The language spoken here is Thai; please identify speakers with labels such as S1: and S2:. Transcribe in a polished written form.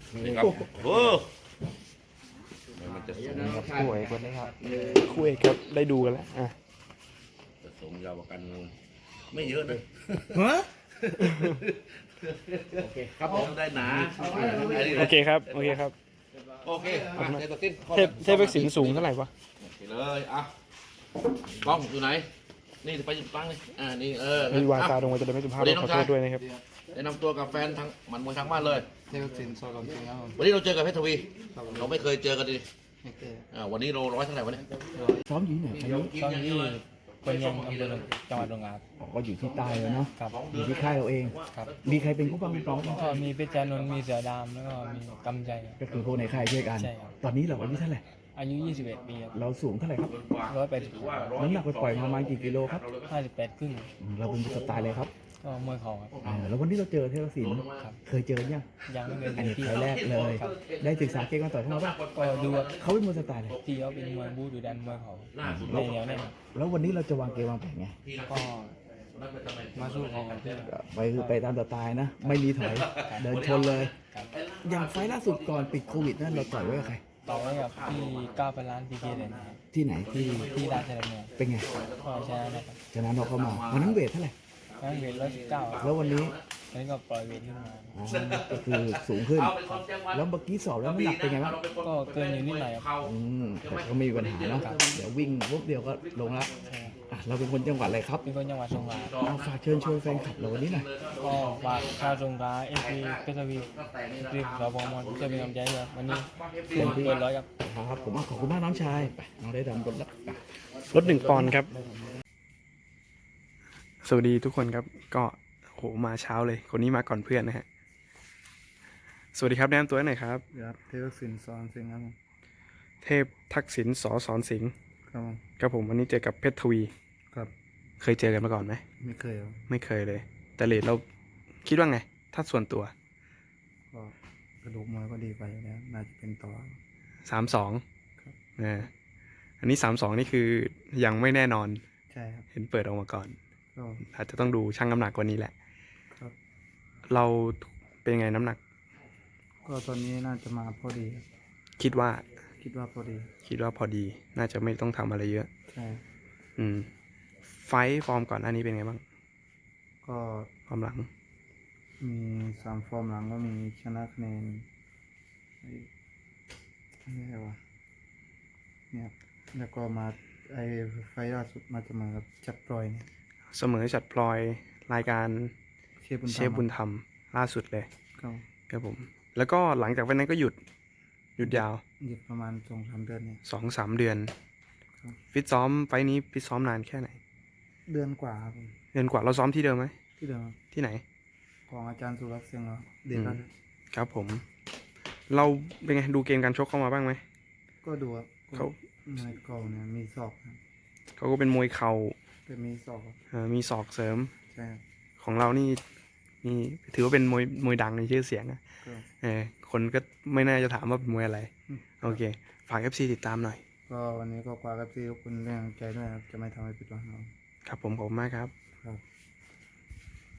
S1: นี่ครับโอ้มันจะสูงครับ
S2: คู่เอกวันนี้ครับคู่เอกครับได้ดูกันแล้ว
S1: จะสูงยาวกว่ากันไม่เยอะนะ
S2: ฮะ
S1: โอเคครับผมได้หนา
S2: โอเคครับโอเคครับ
S1: โอเคเทพสิ้น
S2: เทพศิลป์สูงเท่าไหร่วะ
S1: โอเคเลยอ่ะกล้องอยู่ไหนนี่ไปอยู่ตั้งเลยนี่
S2: มีวาจาตรงมาจะได้ไม่สุภาพขอโทษด้วยนะครับ
S1: แนะนำตัวกับแฟนทั้งมันมวยทั้งบ้านเลย
S3: เทพสินสอดจริงครับผม
S1: วันนี้เราเจอกับเพชรทวีเราไม่เคยเจอกันดิ
S3: ไม่เคย
S1: วันนี้เราร้อยเท่าไหร่วันนี้
S2: ซ้อมอยู่ที่ไหนไฟนี้
S3: ตอนที่เป็นยังอำเภอจังหวัดตรังครับ
S2: ก็อยู่ที่ใต้แล้วเนาะ
S3: ครับ
S2: อยู่ที่ค่ายเราเอง
S3: ครับ
S2: มีใครเป็นผู้บังคับซ้อม
S3: ก็มีเพชรจานนท์มีเสือดำแล้วก็มีกำใจครับ
S2: ก็คือพวกในค่ายช่วยกัน
S3: ใช่ครับ
S2: ตอนนี้เราอายุเท่าไหร่
S3: อายุ 21 ปีครับ
S2: เราสูงเท่าไหร่ครับ
S3: 180
S2: น้ำหนักปล่อยๆประมาณกี่กิโลครับ
S3: 58ครึ่ง
S2: เราเป็นสไตล์เลยครับ
S3: ก็มวยเข่าครับ
S2: แล้ววันนี้เราเจอเทพศิลป์
S3: ครับ
S2: เคยเจอยัง
S3: ยังไม่เคย
S2: อันนี้
S3: ที่
S2: ไฟล์แรกเลย
S3: ครับ
S2: ได้ศึกษาเกมการต่อยของเราป่ะ
S3: ก็ดูว่า
S2: เขาเป็นมวยสไตล์เลย
S3: ที่เขาเป็นมวยบูดูดันมวยเข่าในแนวแน่นครับ
S2: แล้ววันนี้เราจะวางเกมวางแผนไง
S3: ก็มาสู้เขาครับ
S2: ไปคือไปตามสไตล์นะ ไม่มีถอย เดินชนเลย
S3: ครับ
S2: อย่างไฟล์ล่าสุดก่อนปิดโควิดนั่นเราต่อยไว้กับใคร
S3: ต่อไว้กับที่9,000 ล้านพีเคเลยนะครับ
S2: ที่ไหนที่
S3: ที่ราชดำเนิน
S2: เป็นไง
S3: ก็ชนะนะครับ
S2: ชนะนอกเข้ามาวันนั้นเวทเท่าไหร่
S3: นั่นเวท119
S2: แล้ววันนี้
S3: อันนี้ก็ปล่อยเวทขึ้นมา
S2: อ๋อก็คือสูงขึ้น แล้วเมื่อกี้สอบแล้วน้ำหนักเป็นไงบ้าง
S3: ก็เกินอยู่นิดหน่อยครับ
S2: แต่ก็ไม่มีปัญหาเนาะเดี๋ยววิ่งปุ๊บเดียวก็ลงละเราเป็นคนจังหวัดอะไรครับ
S3: เป็นคนจังหวัดสงขลา
S2: เอาฝากเชิญชวนแฟนคลับเราวันนี้หน่อย
S3: ก็ฝากชาวสงขลาเอฟซีเพชรวีรีบเราบอมอนจะเป็นกำลังใจเลยวันนี้เปิดร้อยครับ
S2: ครับผมขอบคุณมากน้องชายไปน้องได้ดำรถแล้วรถ1 ปอนด์ครับ สวัสดีทุกคนครับก็โหมาเช้าเลยคนนี้มาก่อนเพื่อนนะฮะสวัสดีครับแนะนำตัวหน่อยครับ
S3: ครับเทพสินสอนสิงห์ครับ
S2: เทพทักษิณสอนสิงห์
S3: ครับ
S2: ครับผมวันนี้เจอกับเพชรทวี
S3: ครับ
S2: เคยเจอกันมาก่อนไหม
S3: ไม่เคยครับ
S2: ไม่เคยเลย แต่เรทเราคิดว่าไง ถ้าส่วนตัว
S3: ก็กระดูกมวยก็ดีไปแล้วน่าจะเป็นต่อ
S2: 3-2
S3: ครับ
S2: อันนี้3-2นี่คือยังไม่แน่นอน
S3: ใช่ครับ
S2: เห็นเปิดออกมาก่อน
S3: ก็
S2: อาจจะต้องดูชั่งน้ำหนักกว่านี้แหละ
S3: ครับ
S2: เราเป็นไงน้ำหนัก
S3: ก็ตอนนี้น่าจะมาพอดีครับ
S2: คิดว่า
S3: คิดว่าพอดี
S2: พอดี น่าจะไม่ต้องทำอะไรเยอะ
S3: ใช่
S2: ไฟท์ฟอร์มก่อนอันนี้เป็นไงบ้าง
S3: ก็
S2: ฟอร์มหลัง
S3: มี3 ฟอร์มหลังก็มีชนะคะแนนอะไรวะเนี่ยครับแล้วก็มาไฟล์ล่าสุดมาจะมากับจับปล่อยเนี่ย
S2: เสมอจัดพลอยรายการ
S3: เชฟบุญ
S2: เชฟบุญธรรมล่าสุดเลย
S3: ก็
S2: ครับผม แล้วก็หลังจากวันนั้นก็หยุดยาว
S3: หยุดประมาณ2-3 เดือนเนี่ย
S2: 2-3 เดือน
S3: ครับ
S2: ฟิตซ้อมไฟท์นี้ฟิตซ้อมนานแค่ไหน
S3: เดือนกว่าครับผม
S2: เดือนกว่าเราซ้อมที่เดิมไหม
S3: ที่เดิมครับ
S2: ที่ไหน
S3: ของอาจารย์สุรักษ์เสียงเหรอเด็กครับ
S2: ครับผม เราเป็นไงดูเกมการชกเข้ามาบ้างไหม
S3: ก็ดูครับ
S2: เขา
S3: มวยเก่าเนี่ยมีศอกครับ
S2: เขาก็เป็นมวยเข่า
S3: แต่มีศอกครับ
S2: มีศอกเสริม
S3: ใช่ครับ
S2: ของเรานี่ถือว่าเป็นมวยดังในชื่อเสียงนะ
S3: ก็
S2: คนก็ไม่น่าจะถามว่าเป็นมวยอะไร
S3: อืม
S2: โอเค ฝาก FC ติดตามหน่อย
S3: ก็วันนี้ก็กว่ากับที่ทุกคนเรื่องใจด้วยครับจะไม่ทำให้ผิดหวังครับ
S2: ครับผมขอบคุณมากครับ
S3: ครับ